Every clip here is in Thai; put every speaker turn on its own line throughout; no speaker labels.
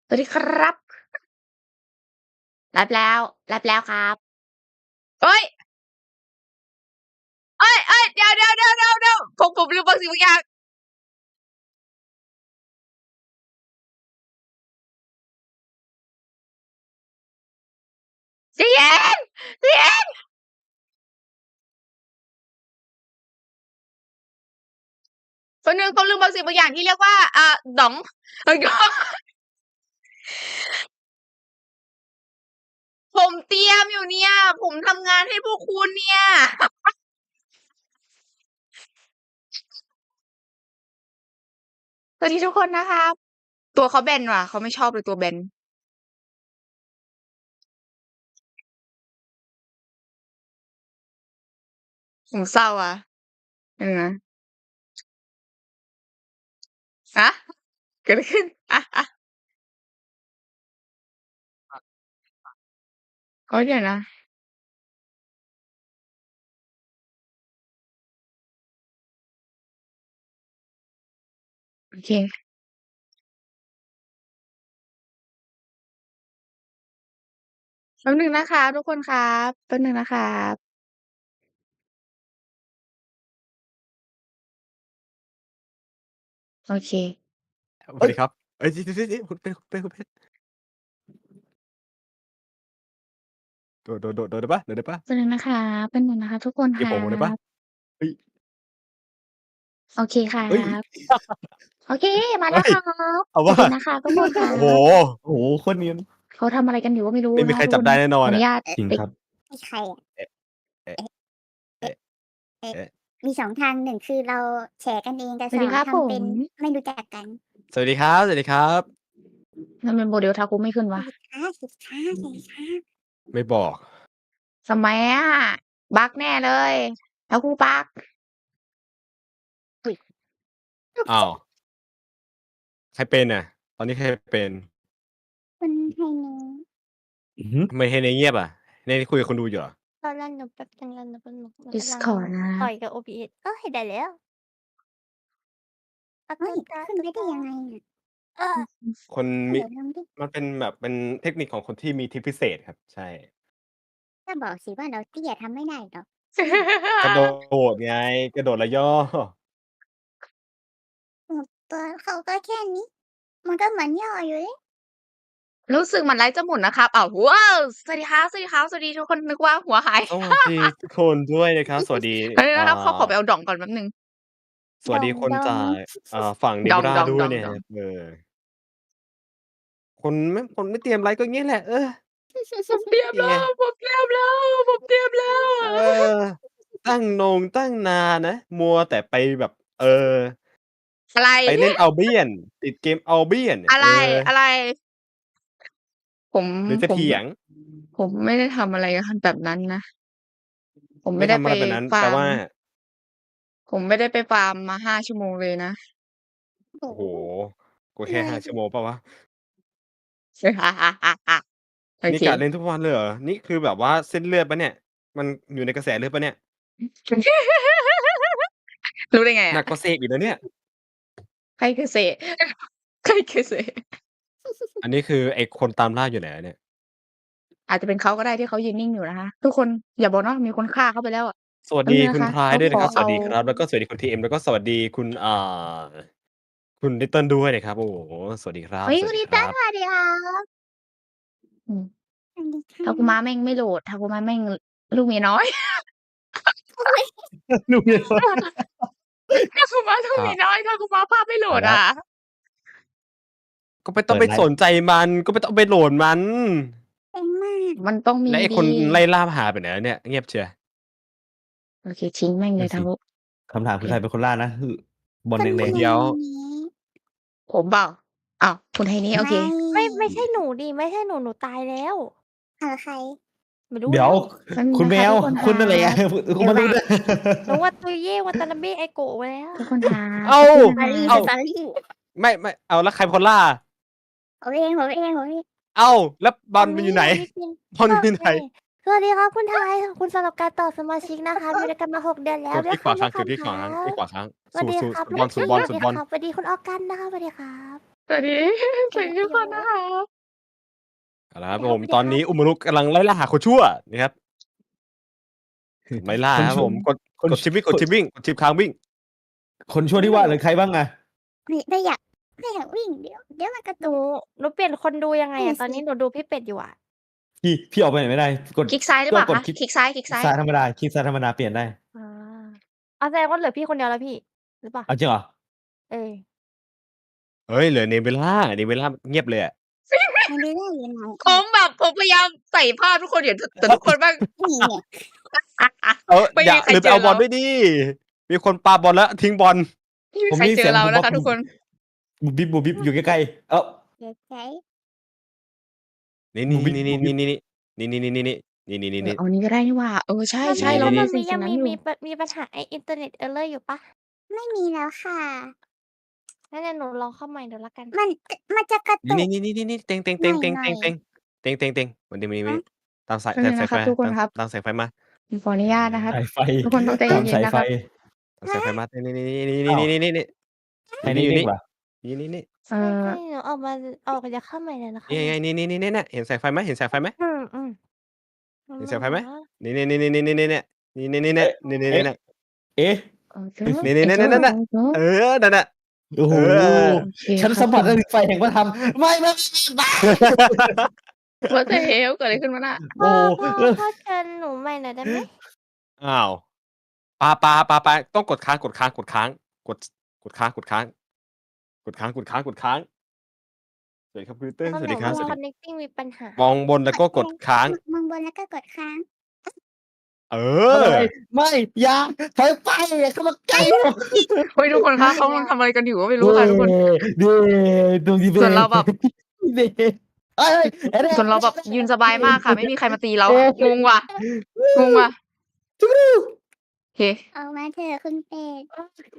สวัสดีครับรับแล้วรับแล้วครับเฮ้ยเฮ้ยเดี๋ยวผมลืมบางสิ่งบางอย่างใจเย็นใจเย็นคนหนึ่งเขาลืมบางสิ่งบางอย่างที่เรียกว่าด๋องผมเตรียมอยู่เนี่ยผมทำงานให้พวกคุณเนี่ยสวัสดีทุกคนนะครับตัวเขาแบนว่ะเขาไม่ชอบเลยตัวแบนผมเศร้าอะนะฮะเกิดอะไรขึ้นโอ๊ยเดี๋ยวนะโอเคแป๊บหนึ่งนะคะทุกคนครับแป๊บหนึ่งนะครับโอเคเอ้ย
สวัสดีครับเอ้ยนี่คุณเป็นโดดได้เปล่าโดดได้เปล่า
แป๊บหนึ่งนะคะแป๊บหนึ่งนะคะทุกคนครั
ตีผมได้เปล่า
บ
เฮ้ย
โอเคครั
เฮ้ย
บ โอเคมา
เฮ้ย
แล้วครับ
เอาว่า
สวัสดีนะคะทุกคนครั
โอ้โฮ
บ
โอ้โฮโคตรเนียน
เขาทำอะไรกันอยู่ก็ไม่รู้
ไม่มี
นะคะทุกคน
ใครจับได้แน่นอนอะ
ขออนุญาต
จริง
ปิด
ครับ
มีใครอะ
เอ๊ะเอ๊ะ
เอ๊ะเอ๊ะ
เอ๊ะ
มี2ทาง1คือเราแฉกันเองกับ2
สวัสดีครับผ
ทำเป็น
ม
ไม่รู้จักกัน
สวัสดีครับสวัสดีครับ
ทำไม Model Taku ไม่ขึ้นวะ
สวัสดีครับสวัสดีครับสวัสดีครับ
ไม่บอก
ทำไมอะบักแน่เลย Taku บัก
อุ๊ย
อ้าวใครเป็นอะตอนนี้ใครเป็น
คุณไฮเน
อือฮึ
ทำไม Hene เงียบอะ Hene คุยกับคนดูอยู่เหรอ
รอหนูแป๊บหนึ่งรอหนูแป๊บหนึ่งหนูกำลัง
Discord นะครับ
ต่อยกับ OBS เฮ้ยได้แล้วอะ
เฮ้ย
ขึ้นไปได้ยังไงอะเออ
คนมี
เดี๋ยวลองดิ
มันเป็นแบบเป็นเทคนิคของคนที่มีทริกพิเศษครับใช่
ก็บอกสิว่าเราเตี้ยทำไม่ได้หรอก
กระโดดไงกระโดดแล้วย่อ
ตัวเขาก็แค่นี้มันก็เหมือนย่ออยู่เลย
รู้สึกเหมือนไลฟ์จะหมุนนะครับอ้าวว้าวสวัสดีครับสวัสดีครับสวัสดีทุกคนนึกว่าหัวหาย
สวัสดีทุกคนด้วยนะครับสวัสดี
แป๊บหนึ่ง
อ่
นะครับขอ
า
ไปเอาด่องก่อนแป๊บหนึ่ง
สวัสดีคน
ดอง
จากฝั่ง
ดอง
Nebula
ดอง
ด้วยนะ
ดองดอง
ครับคนไม่เตรียมไรก็งี้แหละ
ผมเตรียม
นี่ไง
แล้วผมเตรียมแล้วผมเตรียมแล้ว
เออตั้งนานนะมัวแต่ไปแบบ
อะไร
ไปเล่น Albion ติดเกม Albion เนี่ย
อะไรอะไร ผม
หรือจะ
ผม
เถียง
ผมไม่ได้ทำอะไรแบบนั้นนะผม
ไม่
ไม่ได้ไป
ทำอะไรแบบนั้นแป
ฟาร์ม
ลว่า
ผมไม่ได้ไปฟาร์มมา5ชั่วโมงเลยนะ
โอ้
โอ้โฮ
โฮ
กูแค่5
เหนื่อย
ชั่วโมงเปล่าวะ
โอเค
นี่กะเล่นทุกวันเลยเหรอนี่คือแบบว่าเส้นเลือดเปล่าเนี่ยมันอยู่ในกระแสเลือดเปล่าเนี่ย
รู้ได้ไงอะ
หนักกว่าเสกอีกนะเนี่ย
ใครคือเสใครคือเส
อันนี้คือไอ้คนตามล่าอยู่ไหนอะเนี่ย
อาจจะเป็นเขาก็ได้ที่เขายืนนิ่งอยู่นะคะทุกคนอย่าบอกนะว่ามีคนฆ่าเขาไปแล้วอะ
สวัส
แป๊บหนึ่งนะคะ
ดีคุณพลาย
เขา
ด้วยนะครับสวั
ขอเอา
สดีครับแล้วก็สวัสดีคุณ TM แล้วก็สวัสดีคุณ Little ด้วยนะครับโอ้โฮสวัสดีครับ
เฮ้ย
สวัสดี
คุณนิต้า
ครับ
สวัสดีครับอืม
สวัสดีค่ะ
Takuma แม่งไม่โหลด Takuma แม่งลูกเมียน้อย
ลูกเมียน้อย
Takuma ลูก
ครับ
เมียน้อย Takuma ภาพไม่โหล
เอาแล้ว
ดอะ
ก็ไม่ต้อง
เปิดไลฟ์
ไปสนใจมันก็ไม่ต้องไปโหลดมัน
เก่งมาก
มันต้องมีด
แล้วไอ้คนีไล่ล่าหาไปไหนแล้วเนี่ยเงียบเชียว
โอเคทิ้งแม่งเล
นั่นสิ
ย Taku
คำถาม
โอเค
คือใครเป็นคนล่านะคือบอล
คุณ
แดง
เดี๋ยว
ไฮเนะ
ผมเปล่าอ้าวคุณไทนี่โอ
ไม่
เค
ไม่ใช่หนูดิไม่ใช่หนูตายแล้ว
เอาใคร
ไม่
ๆเดี๋ยว
รู้แล้ว
แป๊บหนึ่ง
คุณแมว
นะคะทุกคนค
คุณ
รั
นั่นแหละ
บ
คุณมนุษย์
หนูว่าตุยเย่วัตานาเบะไอโกะไปแล้ว
ทุกคนครับ
เอ้า
แป๊บหนึ่ง
สอ
นะ
รี่
คะ
สอรี่
ไม่เอาแล้วใครเป็นคนล่า
ผมเองผมเองผมเอง
เอ้าแล้วบอล
อันนี้
มันอยู่ไหน
อันนี้เป็น
บอลอยู่ไหน
สวัสดีครับคุณไทยขอบคุณสำหรับการต่อสมาชิกนะคะอยู่ด้วยกันมา6 เดือนแล้
ก
ว
ด
ด้วย
ที่ขวาค้างกด
คำ
ที่ขวาค้างที่ขวาค้าง
สวัสดี
สู
ครับ
บอล
สวัสดีครับสวัสดีคุณออกันนะคะสวัสดีครับ
สวัสดี สวัสดีทุกคนนะคะ
เอาละครับผมตอนนี้อุมารุกำลังไล่ล่าหาคนชั่วนะครับไล่ล่าครับผมกด
คน
กดชิปวิ่งกดชิปวิ่งกดชิปค้างวิ่ง
คนชั่วที่ว่าหรือใครบ้างอะ
ไม่อยากวิ่งเดี๋ยวมันกระ
ห
ตุ
นู
ก
หนูเปลี่ยนคนดูยังไง
นั่
อะ
น
ตอน
สิ
นี้หนูดูพี่เป็ดอยู่อะ
พี่ออกไปไหนไม่ได้กด
คลิกซ้ายหรือเปล่า
ก็กด
คะ
คลิก
คลิกซ้ายคลิกซ้าย
ซ้ายธรรมดาคลิกซ้ายธรรมดาเปลี่ยนได้
อาแสดงว่าเหลือพี่คนเดียวแล้วพี่หรือเปล่า
เอาจริงเหรอ
เออ
เฮ้ยเหลือเนเวล่าเงียบเลยอะ
มันไม่ได้อยู่ไหน
ผมแบบผมพยายามใส่ภาพทุกคนอยู่แต่ทุกคนบ้าง
นี่เนี่ย
ไม่
อย่า
มีใคร
ลืม
เจ
ไป
อ
เอาบอล
เรา
ด้วยดิมีคนปาบอลแล้วทิ้งบอล
ไม่มีใครเจอเรานะคะทุกคน
บุบบิบอยู่ใกล้ๆเอ้า
เดี๋ยวใจ
นี่
บูบิ
นี่
บูบิ
นี่
เอานี้ก็ได้นี่หว่าใช่
มัน
ใช่
มี
เรา
แล้ว
มี
มัน
สิ่ง
ยัง
นั้น
มี
อยู่
มีปัญหาไอ้อินเทอร์เน็ตเออร์เลอร์อยู่ปะ
ไม่มีแล้วค่ะ
งั้นเดี๋ยวหนูลองเข้าใหม่เดี๋ยวละกัน
มันจะกระตุก
นี่เต็งวันนี้ตามสาย
แป๊บนึง
ไฟ
นะครับทุกคนครับ
ตามสายไฟมา
ขออนุญาตนะครับ
สายไฟ
ทุกคนต้องใจ
ตาม
เย็
สาน ย
ๆนะ
ไฟ
ครับ
ตามสายไฟมานี่
ให้นิ่งๆว่ะ
นี่
ใช่หนูออกจะเข้าใหม่เลยนะคะ
ไงนี่เห็นสายไฟไหมเห็นสายไฟไหม
อืม
เห็นสายไฟไหม
หา
นี่
เอ๊ะ
นั่นน่ะ
โอ้โห
โอเค
ฉันสัมผัสได้ถึงไฟแห่งพระธรรมไม่
ว่าแต่เฮลเกิดอะไรขึ้นมาน่ะ
โอ้
พ่อเชิญหนูใหม่หน่อยได้ไหม
อ้าวปาต้องกดค้างกดค้างสวัสดีครับคุณเติ้ล
เพราะ
สวัส
ห
ดี
นู
ครับ
ว่า connecting มีปัญหา
มองบนแล้วก็กดค้าง
มองบนแล้วก็กดค้าง
เออ
ไม่อย่าถอยไปอย่าเข้ามาใกล้
เฮ้ยทุกคนคะเขากำลังทำอะไรกันอยู่ก็ไม่รู้ค่ะทุกคน
เด้ตรงที่
ส่วนเราแบบ
เด้เอ้ย
ส่วนเราแบบยืนสบายมากค่ะ ไม่มีใครมาตีเรางงว่ะโอเค
ออกมาเถอะคุณเป็ด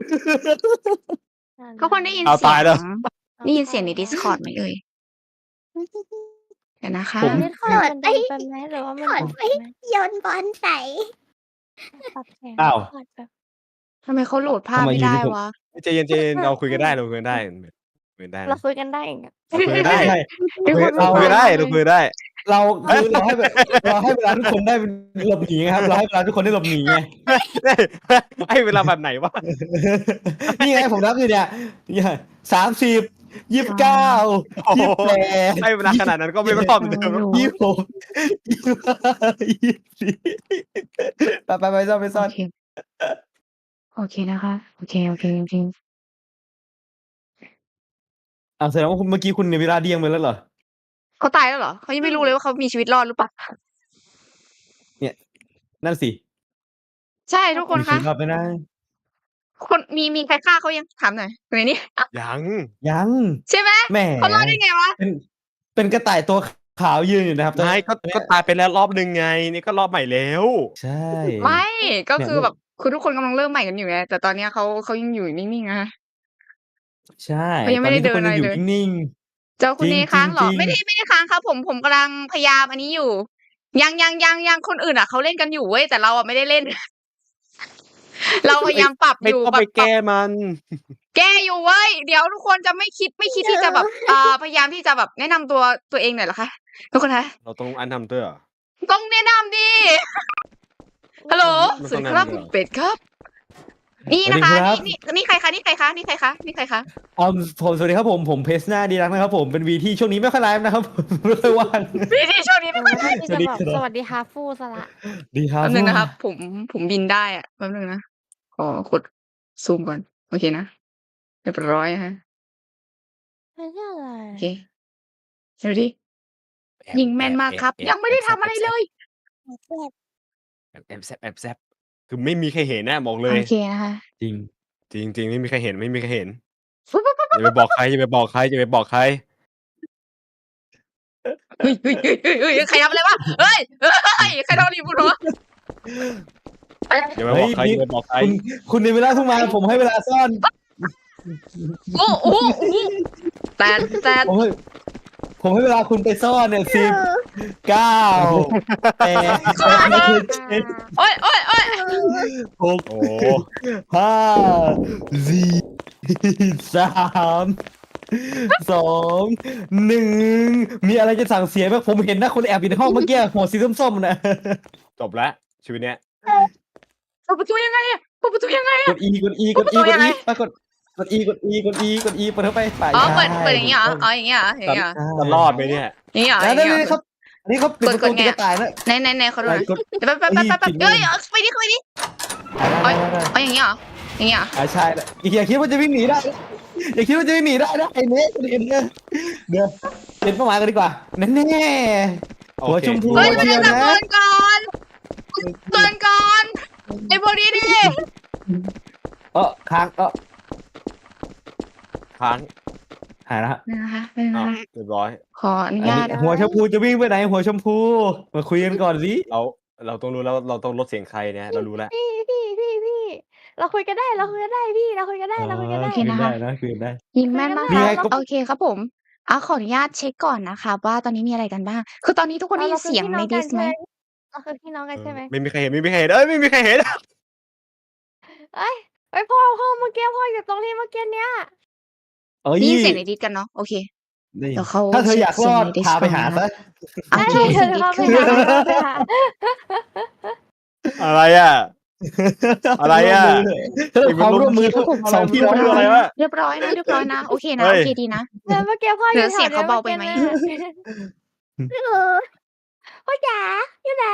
ทุกคนได้ยิน
เอา
เสี
ตายแล้ว
ได้ยินเสียงใน Discord ไหมเอ่ยเดี๋ยวนะคะ
ผม
ไม่ค่อยมันดังไปไหมหรือว่ามัน
ถอด
ดัง
ไป
ไหม
โยนบอลใส่
ปรับเสียง
อ้าว
ถอดแบบ
ทำไมเขาโหลดภาพ
ทำไม
ไม่
อยู่
ได้
ดีผม
วะ
ใจเย็นเราคุยกันได้คุยกันได้
เราคุยกันได้อย่างเงี้ย
คุยกันได้
ใช่
มีคน
เรา
คุยกันได้
เราคือเราให้เวลาทุกคนได้หลบหนีครับเราให้เวลาทุกคนได้หลบหนีไง
ให้เวลาแบบไหนวะ
นี่ไงผมนับอยู่เนี่ย30 29
โอ้โห
28
ให้เวลาขนาดนั้นก็ไม่รอบเดิม
26 25 24ไปซ่อน
โอเคโอเคนะคะโอเคจริง
แสดงว่าเมื่อกี้คุณในเวลาเดียงไปแล้วเหรอ
ๆเขาตายแล้วเหรอเขายังไม่รู้เลยว่าเขามีชีวิตรอดหรือเปล่า
นั่นสิ
ใช่ทุกคน
มี
คะ
ชีวิตรอดไปนะ
คนมีใครฆ่าเขายังถามหน่อยคนนี้
ยัง
ยัง
ใช่ไหม
แหม
เขารอดได้ไงวะ
เป็นกระต่ายตัวขาวยืนอยู่นะครับ
ไม่ก็ตายไปแล้วรอบนึงไง นี่ก็รอบใหม่แล้ว
ใช่
ไม่ก็คือ
เนี่ย
แบบคือทุกคนกำลังเริ่มใหม่กันอยู่ไงแต่ตอนเนี้ยเขายังอยู่นิ่งๆนะ
ใช่
เขายังไม่ได้
ตอนนี้ทุกคน
เดินอะไร
ยังอยู่
เลย
นิ่ง
เจ้าคุณ
จริ
เน
ง
ค้างเหรอ
จริง
ไม่ได้ค้างครับผมกำลังพยายามอันนี้อยู่ ยังคนอื่นอ่ะเขาเล่นกันอยู่เว้ยแต่เราอ่ะไม่ได้เล่น เราพยายามปรับ
ไม่
อยู่
ต้อง
แบ
ไป
บปรับ
แก้มัน
แก้อยู่เว้ยเดี๋ยวทุกคนจะไม่คิดที่จะแบบพยายามที่จะแบบแนะนำตัวเองหน่อยเหรอคะทุกคนคะ
เราต้องอันทำด้วยเหรอ
ต้องแนะนำดิฮัลโหล
มัน
ส
ต้
วั
อ
ส
ง
ดีครับ
แนะนำด้วยเหรอ
คุณเป็ดครับ นี่นะคะนี่ใครคะนี่ใครคะนี่ใครคะ
ผมสวัสดีครับผมเพสนาดีรักนะครับผมเป็นวีที่ช่วงนี้ไม่ค่อยไลฟ์นะครับ ไม่ค่อยว่าง
พี่ที่ช่วงนี้
หนูว่าที่จะบอกสวัสดีฮาฟูสละ
ดีครับ
แป๊บนึงนะครับ ผมบินได้อะแป๊บนึงนะขอกดซูมก่อนโอเคนะเรียบร้อยฮะ
ไม่ใช่อะไร
โอเคเดี๋ยวดิยิงแม่นมากครับ ยังไม่ได้ทำอะไรเลย
เจ็บ
แซบคือไม่มีใครเห็นนะบอกเลย
โอเคนะคะ
จริง
จริงไม่มีใครเห็นอย่าไปบอกใครอย่าไปบอกใคร
เฮ้ยใครทำอะไรวะเฮ้ยใครทำอะไรบุญวะ
อย่าไปบอกใคร
คุณในเวลาเพิ่งมาผมให้เวลาซ่อน
โอ้แต่
ผมให้เวลาคุณไปซ่อนเนี่ย10 9 8
โอ้ย
6
โอ้
5 4 3 2 1มีอะไรจะสั่งเสียไหมผมเห็นนะคนแอบอยู่ในห้องเมื่อกี้หัวสีส้มๆนะ
จบแล้วชีวิตเนี้ย
เปิดประตูยังไงอะเปิดประตูยังไง
ก
อะ
ด E กด E กด E กด E ปรากฏกด E กด E กด E กด E เปิดเข้าไปฝ่าย
อ๋อ
ชาย
เปิดอย่างงี้เหรออ๋ออย่างงี้เหรออย่างงี้เหรอ
จะรอดไหมเนี่ย
อย่างงี้เหรออ
แล้ว
ย่างงี้เหร
นี่
อ
ครับอันนี้เขาปิดประตูตีกระต่ายนะ
ไหนเขาดูหน่อย
กด
เดี๋ยวแป๊บเอ้ยไปดิเข้าไปดิอ๋ออย่างงี้เหรออย่างงี้เหรอ
ใช่แล้วอย่าคิดว่าจะวิ่งหนีได้อย่าคิดว่าจะวิ่งหนีได้นะไอ้เนี้ยเดี๋ยวเปลี่ยนเป้าหมายกันดีกว่าแน่ๆหัวชมพู
เฮ้ย
เดียว
จะ
นะ
เกินก่อนไอ้พวกนี้ดิ
ค้าง
ค้าง
หายแล้วฮะ
นะคะ
อ้าวเรียบร้อย
ขออนุ
อัน
ญา
นี้
ต
หัวชมพูจะวิ่งไปไหนหัวชมพูมาคุยกันก่อนสิ
เราต้องรู้แล้วเราต้องลดเสียงใครเนี่ยเรารู้แล้ว
พี่เราคุยกันได้พี่เราคุยกันได้
คุยกันได้นะคุยกันได้
ยิงแม่นมาก
นี่ไง
โอเคครับผมขออนุญาตเช็คก่อนนะคะว่าตอนนี้มีอะไรกันบ้างคือตอนนี้ทุกคนได้ยินเสียงในดิสไหม
เราคือพี่น้องกันใช่ไหม
ไม่มีใครเห็นเอ้ยไม่มีใครเห็น
เอ้ยพ่อเมื่อกี้พ่ออยู่ตรงที่เมื่อกี้เนี้ย
เอ้ย
ได้ยินเสียงในดิสกันเนาะโอเค
ได้ยิน
เดี๋ยวเขา
ถ้าเธออยากรอด
เช็ค
พาไปหา
เสียงใน
ซะ
โอเค
ได้
เสียง
เธ
ดิ
อ
สคือ
ไปหา
อะไรอ่ะ อะไรอ่ะ
เธอความร่วมมือ
ครับผม
สองพี่น้อง
คืออะไรวะ
เรียบร้อยนะโอเคนะ
เฮ้
โอย เคดีนะ
เมื่อกี้พ่ออยู่
เสียงเขาเบาไปไหม
พ่อจ๋าอยู่ไหน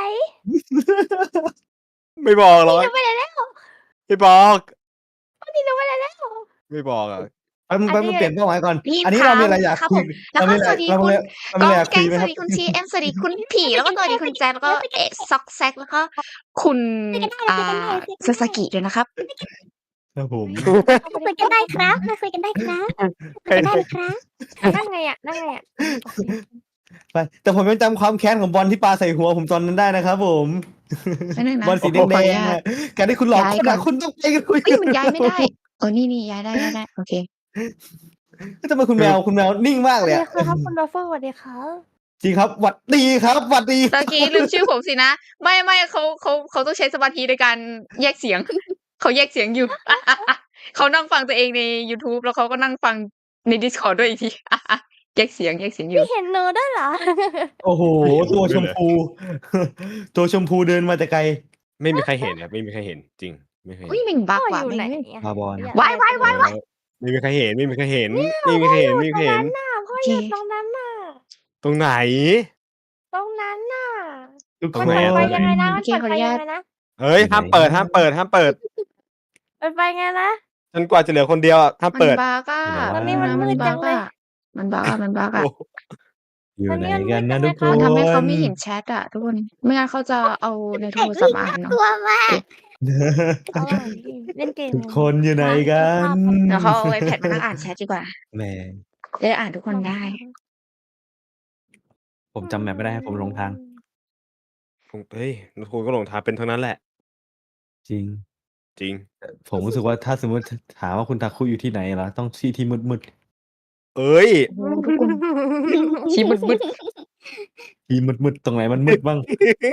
ไม่บอกหรอก
หนูไปไหนแล้ว
ไม่บอก
นี่หนูไปไหนแล้ว
ไม่บอกอ่ะ
ไปเปลี่ยนเป้าหมายก่อน
นี่
อันนี้
ครับ
เรามีอะไรอยาก
ครับ
คุ
ผ
ย
มแล้วก็สวัสดีคุณ
เรา
ก้
มี
อ
อะไร
งแกง
คุยไหม
ส
ค
วั
รับ
สดีคุณชีเอ็มสวัสดีคุณผีแล้วก็สวัสดีคุณแจ๊แล้วก็ซ็อกแซกแล้วก็คุณซาสกิด้วยนะครับ
ครับผม
คุยกันได้ครับมาคุยกันได้ครับคุยกันได้เลยครับ
นั่งไงอ่ะ
ไปแต่ผมยังจำความแค้นของบอลที่ปาใส่หัวผมตอนนั้นได้นะครับผม
ไม่นึงนะ
บอลสีแด
ขออนุ
ง
ญา
ๆ
ต
อะการที่คุณหลอกคน
ย้ายก่อ
อะ
น
คุณต้องไปกันคุย
เอ้ยมันย้ายไม่ได้นี่ย้ายได้โอเค
ทำไมคุณแมวนิ่งมาก
สวัส
เลย
ดี
อะ
ครับคุณโรเฟอร์สวัสดีครับ
จริงครับหวัดดีครับหวัดดี
ตะกี้ลืมชื่อผมสินะ ไม่เขาต้องใช้สมาธิในการแยกเสียง เขาแยกเสียงอยู่ เขานั่งฟังตัวเองใน YouTube แล้วเขาก็นั่งฟังใน Discord ด้วยอีกที แยกเสียงอยู่
พี่เห็นหนูด้วยเหรอ
โอ้โหตัวชมพู ตัวชมพูเดินมาแต่ไกล
ไม่มีใครเห็นครับไม่มีใครเห็นจริงไม่มีใคร
เฮ้ย
เห็น
แม่งบัก
พ่อ
ว่ะ
อยู่ไหน
แม่ง
อะ
บาบอล
ว้าย
ไม่มีใครเห็นไม่มีใครเห็นไม่มีใครเห็นไม่มีใครเห็น
พ่ออยู่ตรงนั้นน่ะ
ตรงไหน
ตรงนั้นน่ะ
ทุก
ตร
ค
ง
น
ไหน
ไป
อะ
ยังไงนะ
โอเคขออนุญาต
เฮ้ยห้ามเปิด
ไปไงนะ
จนกว่าจะเหลือคนเดียวอะห้าม
มัน
เปิด
บักอ่ะ
ตอนนี้มันมืดจังเลย
มันบักอ่ะ
โอ้
อยู่ไหนกันนะทุกคน
มันทำให้เขาไม่เห็นแชทอ่ะทุกคน ไม่งั้นเขาจะเอาในโทรศัพท์อ่านเนาะ
กลัวมาก
เล่นเกม
ทุกคนอยู่ไหนกัน
เดี๋ยวเขาเอาไอแพดมานั่งอ่านแชทดีกว่า
แหม
จะได้อ่านทุกคนได้
ผมจำแมปไม่ได้ผมหลงทาง
เฮ้ยคุณก็หลงทางเป็นทั้งนั้นแหละ
จริง
จริง
ผมรู้สึกว่าถ้าสมมติถามว่าคุณทาคุอยู่ที่ไหนเหรอต้องที่มืด
เอ้ย
ทุกคนชี้บึด
ๆที่มืดๆตรงไหนมันมืดบ้าง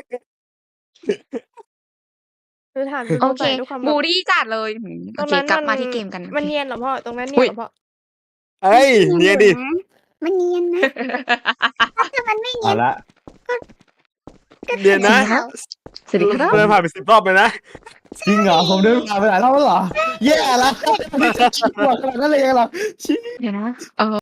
คือถาม
โอเค
ทุกคน
บูรี่จัดเลยโอเคกลับมาที่เกมกัน
มันเนียนเหรอพ่อตรงนั้นเนียนเหรอพ่อ
เอ้ยเนี่ยดิ
มันเนียนนะถ้ามันไม่เนี
เอา
ยน
ละ
เดี๋ยวนะ
สวัสดีครับ
เดินผ่านไป10 รอบเลยนะ
จริงเหรอผมเดินผ่านไปหลายรอบแล้วเหรอแย่ละไม่จะคิดว่าขนาดนั้นเลยเหรอ
เดี๋ยวนะ